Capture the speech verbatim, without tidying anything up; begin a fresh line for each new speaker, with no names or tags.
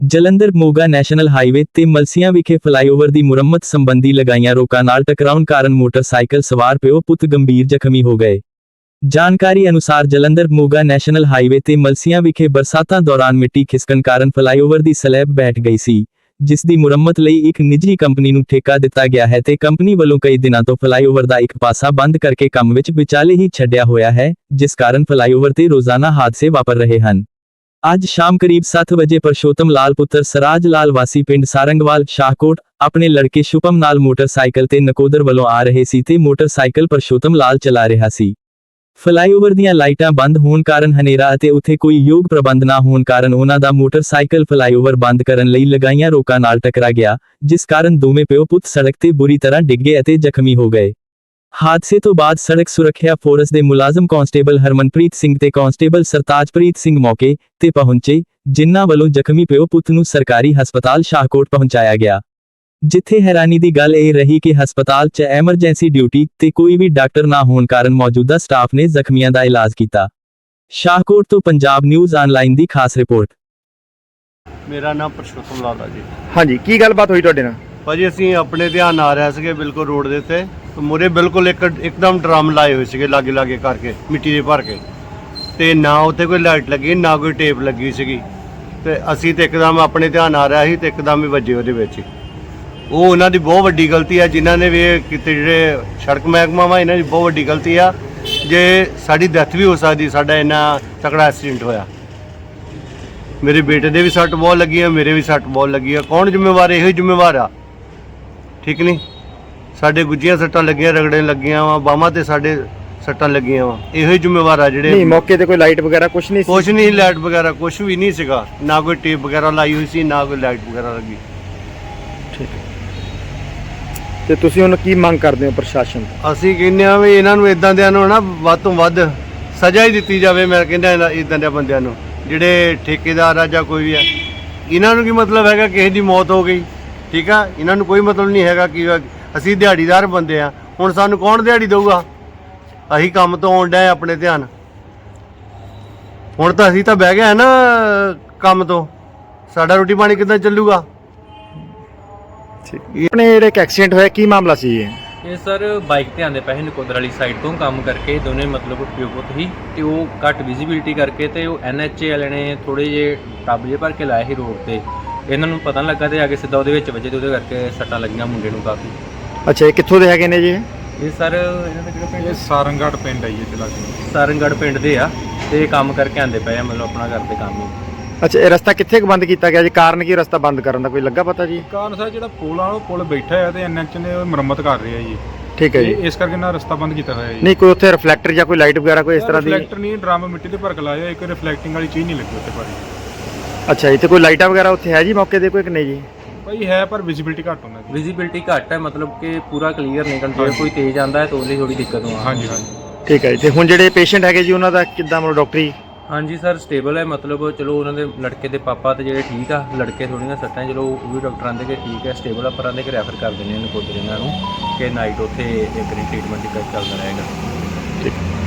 Jalandhar Moga national highway ਤੇ ਮਲਸੀਆਂ ਵਿਖੇ flyover ਦੀ ਮੁਰੰਮਤ ਸੰਬੰਧੀ ਲਗਾਈਆਂ ਰੋਕਾਂ ਨਾਲ ਟਕਰਾਉਣ ਕਾਰਨ ਮੋਟਰਸਾਈਕਲ ਸਵਾਰ ਪਿਓ ਪੁੱਤ ਗੰਭੀਰ ਜ਼ਖਮੀ ਹੋ ਗਏ। ਜਾਣਕਾਰੀ ਅਨੁਸਾਰ ਜਲੰਧਰ ਮੋਗਾ ਨੈਸ਼ਨਲ ਹਾਈਵੇ ਤੇ ਮਲਸੀਆਂ ਵਿਖੇ ਬਰਸਾਤਾਂ ਦੌਰਾਨ ਮਿੱਟੀ ਖਿਸਕਣ ਕਾਰਨ ਫਲਾਈਓਵਰ ਦੀ ਸਲੈਬ ਬੈਠ ਗਈ ਸੀ, ਜਿਸ ਦੀ ਮੁਰੰਮਤ ਲਈ ਇੱਕ ਨਿੱਜੀ ਕੰਪਨੀ ਨੂੰ ਠੇਕਾ ਦਿੱਤਾ ਗਿਆ ਹੈ ਤੇ ਕੰਪਨੀ ਵੱਲੋਂ ਕਈ ਦਿਨਾਂ ਤੋਂ ਫਲਾਈਓਵਰ ਦਾ ਇੱਕ ਪਾਸਾ ਬੰਦ ਕਰਕੇ ਕੰਮ ਵਿੱਚ ਵਿਚਾਲੇ ਹੀ ਛੱਡਿਆ ਹੋਇਆ ਹੈ, ਜਿਸ ਕਾਰਨ ਫਲਾਈਓਵਰ ਤੇ ਰੋਜ਼ਾਨਾ ਹਾਦਸੇ ਵਾਪਰ ਰਹੇ ਹਨ। ਅੱਜ ਸ਼ਾਮ ਕਰੀਬ ਸੱਤ ਵਜੇ ਪਰਸ਼ੋਤਮ ਲਾਲ ਪੁੱਤਰ ਸਰਾਜ ਲਾਲ ਵਾਸੀ ਪਿੰਡ ਸਾਰੰਗਵਾਲ ਸ਼ਾਹਕੋਟ ਆਪਣੇ ਲੜਕੇ ਸ਼ੁਭਮ ਨਾਲ ਮੋਟਰਸਾਈਕਲ ਤੇ ਨਕੋਦਰ ਵੱਲੋਂ ਆ ਰਹੇ ਸੀ ਤੇ ਮੋਟਰਸਾਈਕਲ ਪਰਸ਼ੋਤਮ ਲਾਲ ਚਲਾ ਰਿਹਾ ਸੀ। ਫਲਾਈਓਵਰ ਦੀਆਂ ਲਾਈਟਾਂ ਬੰਦ ਹੋਣ ਕਾਰਨ ਹਨੇਰਾ ਅਤੇ ਉੱਥੇ ਕੋਈ ਯੋਗ ਪ੍ਰਬੰਧ ਨਾ ਹੋਣ ਕਾਰਨ ਉਹਨਾਂ ਦਾ ਮੋਟਰਸਾਈਕਲ ਫਲਾਈਓਵਰ ਬੰਦ ਕਰਨ ਲਈ ਲਗਾਈਆਂ ਰੋਕਾਂ ਨਾਲ ਟਕਰਾ ਗਿਆ, ਜਿਸ ਕਾਰਨ ਦੋਵੇਂ ਪਿਓ ਪੁੱਤ ਸੜਕ ਤੇ ਬੁਰੀ ਤਰ੍ਹਾਂ ਡਿੱਗੇ ਅਤੇ ਜ਼ਖਮੀ ਹੋ ਗਏ। ਹਾਦਸੇ ਤੋਂ ਬਾਅਦ ਸੜਕ ਸੁਰੱਖਿਆ ਫੋਰਸ ਦੇ ਮੁਲਾਜ਼ਮ ਕਾਂਸਟੇਬਲ ਹਰਮਨਪ੍ਰੀਤ ਸਿੰਘ ਤੇ ਕਾਂਸਟੇਬਲ ਸਰਤਾਜਪ੍ਰੀਤ ਸਿੰਘ ਮੌਕੇ ਤੇ ਪਹੁੰਚੇ, ਜਿਨ੍ਹਾਂ ਵੱਲੋਂ ਜ਼ਖਮੀ ਪਿਓ ਪੁੱਤ ਨੂੰ ਸਰਕਾਰੀ ਹਸਪਤਾਲ ਸ਼ਾਹਕੋਟ ਪਹੁੰਚਾਇਆ ਗਿਆ। ਜਿੱਥੇ ਹੈਰਾਨੀ ਦੀ ਗੱਲ ਇਹ ਰਹੀ ਕਿ ਹਸਪਤਾਲ 'ਚ ਐਮਰਜੈਂਸੀ ਡਿਊਟੀ ਤੇ ਕੋਈ ਵੀ ਡਾਕਟਰ ਨਾ ਹੋਣ ਕਾਰਨ ਮੌਜੂਦਾ ਸਟਾਫ ਨੇ ਜ਼ਖਮੀਆਂ ਦਾ ਇਲਾਜ ਕੀਤਾ। ਸ਼ਾਹਕੋਟ ਤੋਂ ਪੰਜਾਬ ਨਿਊਜ਼ ਆਨਲਾਈਨ ਦੀ ਖਾਸ ਰਿਪੋਰਟ।
ਮੇਰਾ ਨਾਮ ਪਰਸ਼ੋਤਮ ਲਾਲ ਆ ਜੀ।
ਹਾਂਜੀ, ਕੀ ਗੱਲਬਾਤ ਹੋਈ ਤੁਹਾਡੇ ਨਾਲ?
ਭਾਜੀ ਅਸੀਂ ਆਪਣੇ ਧਿਆਨ ਆ ਰਹੇ ਸੀਗੇ ਬਿਲਕੁਲ ਰੋਡ ਦੇ ਉੱਤੇ, ਮੁਰੇ ਬਿਲਕੁਲ ਇੱਕ ਇੱਕਦਮ ਡਰਮ ਲਾਏ ਹੋਏ ਸੀਗੇ ਲਾਗੇ ਲਾਗੇ ਕਰਕੇ ਮਿੱਟੀ ਦੇ ਭਰ ਕੇ, ਤੇ ਨਾ ਉੱਥੇ ਕੋਈ ਲਾਈਟ ਲੱਗੀ ਨਾ ਕੋਈ ਟੇਪ ਲੱਗੀ ਸੀਗੀ, ਤੇ ਅਸੀਂ ਤੇ ਇੱਕਦਮ ਆਪਣੇ ਧਿਆਨ ਆ ਰਿਹਾ ਸੀ ਤੇ ਇੱਕਦਮ ਹੀ ਵੱਜੇ ਉਹਦੇ ਵਿੱਚ ਹੀ। ਉਹ ਉਹਨਾਂ ਦੀ ਬਹੁਤ ਵੱਡੀ ਗਲਤੀ ਆ ਜਿਨ੍ਹਾਂ ਨੇ ਵੀ ਇਹ ਕੀਤੇ, ਜਿਹੜੇ ਸੜਕ ਮਹਿਕਮਾ ਵਾ ਇਹਨਾਂ ਦੀ ਬਹੁਤ ਵੱਡੀ ਗਲਤੀ ਆ। ਜੇ ਸਾਡੀ ਡੈਥ ਵੀ ਹੋ ਸਕਦੀ, ਸਾਡਾ ਇੰਨਾ ਤਕੜਾ ਐਕਸੀਡੈਂਟ ਹੋਇਆ। ਮੇਰੇ ਬੇਟੇ ਦੇ ਵੀ ਸੱਟ ਬਹੁਤ ਲੱਗੀ ਆ, ਮੇਰੇ ਵੀ ਸੱਟ ਬਹੁਤ ਲੱਗੀ ਆ। ਕੌਣ ਜ਼ਿੰਮੇਵਾਰ? ਇਹੋ ਹੀ ਜ਼ਿੰਮੇਵਾਰ ਆ, ਠੀਕ ਨਹੀਂ? ਸਾਡੇ ਗੁੱਜੀਆਂ ਸੱਟਾਂ ਲੱਗੀਆਂ, ਰਗੜੇ ਲੱਗੀਆਂ ਵਾ, ਬਾਹਾਂ ਤੇ ਸਾਡੇ ਸੱਟਾਂ ਲੱਗੀਆਂ ਵਾ, ਇਹੋ ਹੀ ਜ਼ਿੰਮੇਵਾਰ ਆ ਜਿਹੜੇ।
ਨਹੀਂ, ਮੌਕੇ ਤੇ ਕੋਈ ਲਾਈਟ ਵਗੈਰਾ ਕੁਝ ਨਹੀਂ ਸੀ?
ਕੁਛ ਨਹੀਂ, ਲਾਈਟ ਵਗੈਰਾ ਕੁਛ ਵੀ ਨਹੀਂ ਸੀਗਾ, ਨਾ ਕੋਈ ਟੇਪ ਵਗੈਰਾ ਲਾਈ ਹੋਈ ਸੀ, ਨਾ ਕੋਈ ਲਾਈਟ ਵਗੈਰਾ ਲੱਗੀ।
ਠੀਕ ਹੈ, ਤੇ ਤੁਸੀਂ ਹੁਣ ਕੀ ਮੰਗ ਕਰਦੇ ਹੋ ਪ੍ਰਸ਼ਾਸਨ ਤੋਂ?
ਅਸੀਂ ਕਹਿੰਦੇ ਆ ਵੀ ਇਹਨਾਂ ਨੂੰ ਇਦਾਂ ਦਿਆਂ ਨੂੰ ਨਾ ਵੱਧ ਤੋਂ ਵੱਧ ਸਜ਼ਾ ਹੀ ਦਿੱਤੀ ਜਾਵੇ। ਮੈਂ ਕਹਿੰਦਾ ਇਦਾਂ ਦੇ ਬੰਦਿਆਂ ਨੂੰ, ਜਿਹੜੇ ਠੇਕੇਦਾਰ ਆ ਜਾਂ ਕੋਈ ਵੀ ਆ, ਇਹਨਾਂ ਨੂੰ ਕੀ ਮਤਲਬ ਹੈਗਾ ਕਿਸੇ ਦੀ ਮੌਤ ਹੋ ਗਈ, ਠੀਕ ਆ? ਇਹਨਾਂ ਨੂੰ ਕੋਈ ਮਤਲਬ ਨਹੀਂ ਹੈਗਾ ਕਿ ਅਸੀਂ ਦਿਹਾੜੀਦਾਰ ਬੰਦੇ ਆ, ਹੁਣ ਸਾਨੂੰ ਕੌਣ ਦਿਹਾੜੀ ਦਊਗਾ? ਅਸੀਂ ਕੰਮ ਤੋਂ ਆਉਣ ਡਏ ਆਪਣੇ ਧਿਆਨ, ਹੁਣ ਤਾਂ ਅਸੀਂ ਤਾਂ ਬਹਿ ਗਏ ਨਾ ਕੰਮ ਤੋਂ, ਸਾਡਾ ਰੋਟੀ ਪਾਣੀ ਕਿੱਦਾਂ ਚੱਲੂਗਾ?
ਆਪਣੇ ਜਿਹੜੇ ਇੱਕ ਐਕਸੀਡੈਂਟ ਹੋਇਆ, ਕੀ ਮਾਮਲਾ ਸੀ ਇਹ?
ਇਹ ਸਰ ਬਾਈਕ ਤੇ ਆਂਦੇ ਪਏ ਨਕੋਦਰ ਵਾਲੀ ਸਾਈਡ ਤੋਂ ਕੰਮ ਕਰਕੇ, ਦੋਨੇ ਮਤਲਬ ਪਿਓ ਪੁੱਤ ਹੀ, ਤੇ ਉਹ ਘੱਟ ਵਿਜ਼ਿਬਿਲਿਟੀ ਕਰਕੇ ਤੇ ਉਹ ਐਨ ਐਚ ਏ ਵਾਲੇ ਨੇ ਥੋੜੇ ਜਿਹੇ ਟੱਬ ਜਿਹੇ ਭਰ ਕੇ ਲਾਏ ਸੀ ਰੋਡ ਤੇ, ਇਹਨਾਂ ਨੂੰ ਪਤਾ ਨਹੀਂ ਲੱਗਾ ਤੇ ਆ ਕੇ ਸਿੱਧਾ ਉਹਦੇ ਵਿੱਚ ਵੱਜੇ ਤੇ ਉਹਦੇ ਕਰਕੇ ਸੱਟਾਂ ਲੱਗੀਆਂ ਮੁੰਡੇ ਨੂੰ ਕਾਫੀ।
ਅੱਛਾ, ਇਹ ਕਿੱਥੋਂ ਦੇ ਹੈਗੇ ਨੇ ਜੀ?
ਇਹ ਸਰ ਇਹਨਾਂ ਦਾ ਜਿਹੜਾ ਪਿੰਡ
ਇਹ ਸਾਰੰਗਗੜ੍ਹ ਪਿੰਡ ਹੈ ਜੀ, ਇੱਥੇ ਲਾਗੇ
ਸਾਰੰਗਗੜ੍ਹ ਪਿੰਡ ਦੇ ਆ, ਤੇ ਕੰਮ ਕਰਕੇ ਆਂਦੇ ਪਏ ਆ, ਮਤਲਬ ਆਪਣਾ ਕਰਦੇ ਕੰਮ ਹੀ।
ਅੱਛਾ, ਇਹ ਰਸਤਾ ਕਿੱਥੇ ਕੁ ਬੰਦ ਕੀਤਾ ਗਿਆ ਜੀ? ਕਾਰਨ ਕੀ ਰਸਤਾ ਬੰਦ ਕਰਨ ਦਾ ਕੋਈ ਲੱਗਾ ਪਤਾ ਜੀ?
ਕਾਰਨ ਸਰ ਜਿਹੜਾ ਪੁਲ ਆ ਉਹ ਪੁਲ ਬੈਠਾ ਹੈ ਤੇ ਐਨ ਐਚ ਨੇ ਉਹ ਮੁਰੰਮਤ ਕਰ ਰਿਹਾ ਜੀ,
ਠੀਕ ਹੈ ਜੀ,
ਇਸ ਕਰਕੇ ਨਾ ਰਸਤਾ ਬੰਦ ਕੀਤਾ ਹੋਇਆ ਜੀ।
ਨਹੀਂ ਕੋਈ ਉੱਥੇ ਰਿਫਲੈਕਟਰ ਜਾਂ ਕੋਈ ਲਾਈਟ ਵਗੈਰਾ ਕੋਈ ਇਸ ਤਰ੍ਹਾਂ ਦੀ?
ਰਿਫਲੈਕਟਰ ਨਹੀਂ, ਡਰਮ ਮਿੱਟੀ ਦੇ ਭਰ ਕੇ ਲਾਇਆ, ਇੱਕ ਰਿਫਲੈਕਟਿੰਗ ਵਾਲੀ ਚੀਜ਼ ਨਹੀਂ ਲੱਗੀ ਉੱਥੇ ਭਾਜੀ।
ਅੱਛਾ ਜੀ, ਤੇ ਕੋਈ ਲਾਈਟਾਂ ਵਗੈਰਾ ਉੱਥੇ ਹੈ ਜੀ ਮੌਕੇ ਤੇ ਕੋਈ ਕਿ ਨਹੀਂ ਜੀ?
ਭਾਈ ਹੈ ਪਰ ਵਿਜ਼ਿਬਿਲਿਟੀ ਘੱਟ ਹੁੰਦਾ ਜੀ।
ਵਿਜ਼ਿਬਿਲਿਟੀ ਘੱਟ ਹੈ, ਮਤਲਬ ਕਿ ਪੂਰਾ ਕਲੀਅਰ ਨਹੀਂ ਕੰਟਰੋਲ, ਕੋਈ ਤੇਜ਼ ਆਂਦਾ ਹੈ ਤਾਂ ਉਹਦੀ ਥੋੜੀ ਦਿੱਕਤ ਆਉਂਦੀ।
ਹਾਂਜੀ ਹਾਂਜੀ,
ਠੀਕ ਹੈ ਜੀ। ਤੇ ਹੁਣ ਜਿਹੜੇ ਪੇਸ਼ੈਂਟ ਹੈਗੇ ਜੀ ਉਹਨਾਂ ਦਾ ਕਿੱਦਾਂ ਮਤਲਬ ਡਾਕਟਰੀ?
ਹਾਂਜੀ ਸਰ ਸਟੇਬਲ ਹੈ, ਮਤਲਬ ਚਲੋ ਉਹਨਾਂ ਦੇ ਲੜਕੇ ਦੇ ਪਾਪਾ ਤੇ ਜਿਹੜੇ ਠੀਕ ਆ, ਲੜਕੇ ਥੋੜ੍ਹੀਆਂ ਸੱਟਾਂ, ਚਲੋ ਉਹ ਵੀ ਡਾਕਟਰ ਆਂਦੇ ਕਿ ਠੀਕ ਹੈ ਸਟੇਬਲ ਆ, ਪਰ ਆਂਦੇ ਕਿ ਰੈਫਰ ਕਰ ਦਿੰਦੇ ਨੇ ਨਕੋਦਰ ਇਹਨਾਂ ਨੂੰ ਕਿ ਨਾਈਟ ਉੱਥੇ ਇੱਕ ਵਾਰੀ ਟ੍ਰੀਟਮੈਂਟ ਚੱਲਦਾ ਰਹੇਗਾ।
ਠੀਕ।